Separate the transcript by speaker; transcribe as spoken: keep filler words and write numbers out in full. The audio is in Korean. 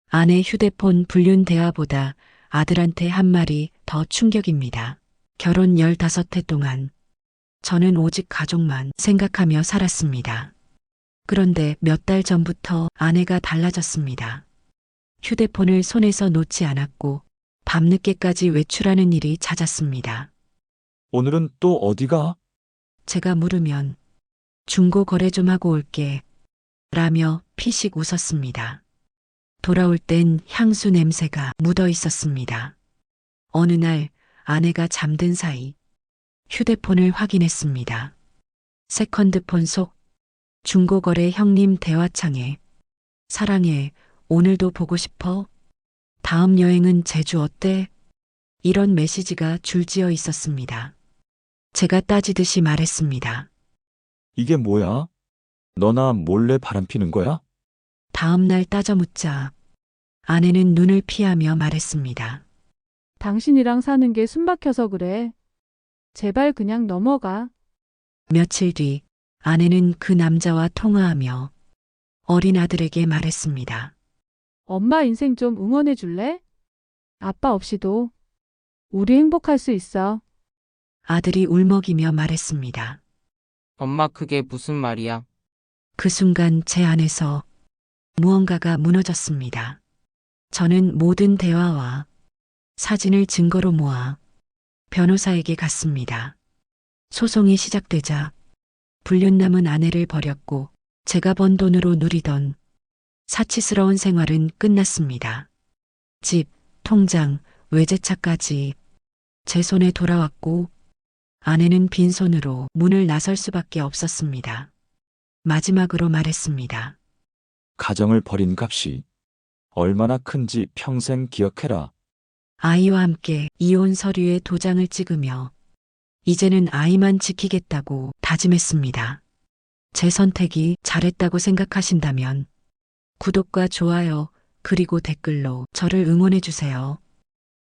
Speaker 1: 아내 휴대폰 불륜 대화보다 아들한테 한 말이 더 충격입니다. 결혼 열다섯 해 동안 저는 오직 가족만 생각하며 살았습니다. 그런데 몇 달 전부터 아내가 달라졌습니다. 휴대폰을 손에서 놓지 않았고 밤늦게까지 외출하는 일이 잦았습니다.
Speaker 2: 오늘은 또 어디가?
Speaker 1: 제가 물으면 중고 거래 좀 하고 올게 라며 피식 웃었습니다. 돌아올 땐 향수 냄새가 묻어 있었습니다. 어느 날 아내가 잠든 사이 휴대폰을 확인했습니다. 세컨드폰 속 중고거래 형님 대화창에 사랑해, 오늘도 보고 싶어? 다음 여행은 제주 어때? 이런 메시지가 줄지어 있었습니다. 제가 따지듯이 말했습니다.
Speaker 2: 이게 뭐야? 너나 몰래 바람피는 거야?
Speaker 1: 다음 날 따져 묻자 아내는 눈을 피하며 말했습니다.
Speaker 3: 당신이랑 사는 게 숨막혀서 그래. 제발 그냥 넘어가.
Speaker 1: 며칠 뒤 아내는 그 남자와 통화하며 어린 아들에게 말했습니다.
Speaker 3: 엄마 인생 좀 응원해 줄래? 아빠 없이도 우리 행복할 수 있어.
Speaker 1: 아들이 울먹이며 말했습니다.
Speaker 4: 엄마 그게 무슨 말이야?
Speaker 1: 그 순간 제 안에서 무언가가 무너졌습니다. 저는 모든 대화와 사진을 증거로 모아 변호사에게 갔습니다. 소송이 시작되자 불륜 남은 아내를 버렸고 제가 번 돈으로 누리던 사치스러운 생활은 끝났습니다. 집, 통장, 외제차까지 제 손에 돌아왔고 아내는 빈손으로 문을 나설 수밖에 없었습니다. 마지막으로 말했습니다.
Speaker 2: 가정을 버린 값이 얼마나 큰지 평생 기억해라.
Speaker 1: 아이와 함께 이혼 서류에 도장을 찍으며 이제는 아이만 지키겠다고 다짐했습니다. 제 선택이 잘했다고 생각하신다면 구독과 좋아요 그리고 댓글로 저를 응원해 주세요.